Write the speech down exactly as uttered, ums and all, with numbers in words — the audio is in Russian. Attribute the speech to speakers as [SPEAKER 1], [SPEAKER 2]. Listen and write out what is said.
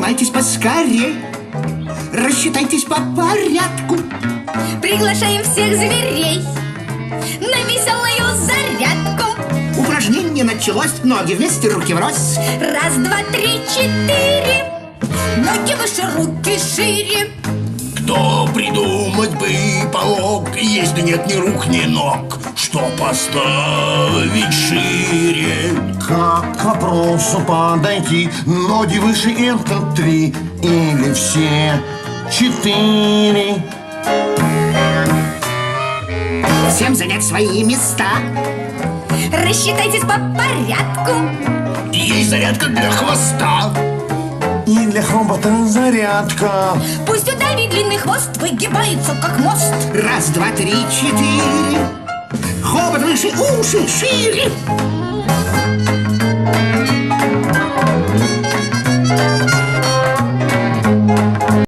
[SPEAKER 1] Поднимайтесь поскорей, рассчитайтесь по порядку.
[SPEAKER 2] Приглашаем всех зверей на веселую зарядку.
[SPEAKER 1] Упражнение началось, ноги вместе, руки врозь.
[SPEAKER 2] Раз, два, три, четыре. Ноги выше, руки шире.
[SPEAKER 3] Кто придумать бы помог, если нет ни рук, ни ног, что поставить шире?
[SPEAKER 4] Как к вопросу подойти? Ноги выше — это три, или все четыре?
[SPEAKER 1] Всем занять свои места.
[SPEAKER 2] Рассчитайтесь по порядку.
[SPEAKER 3] Есть зарядка для хвоста.
[SPEAKER 4] И для хобота зарядка.
[SPEAKER 2] Пусть у Дави длинный хвост выгибается, как мост.
[SPEAKER 1] Раз, два, три, четыре. Хобот выше, уши шире.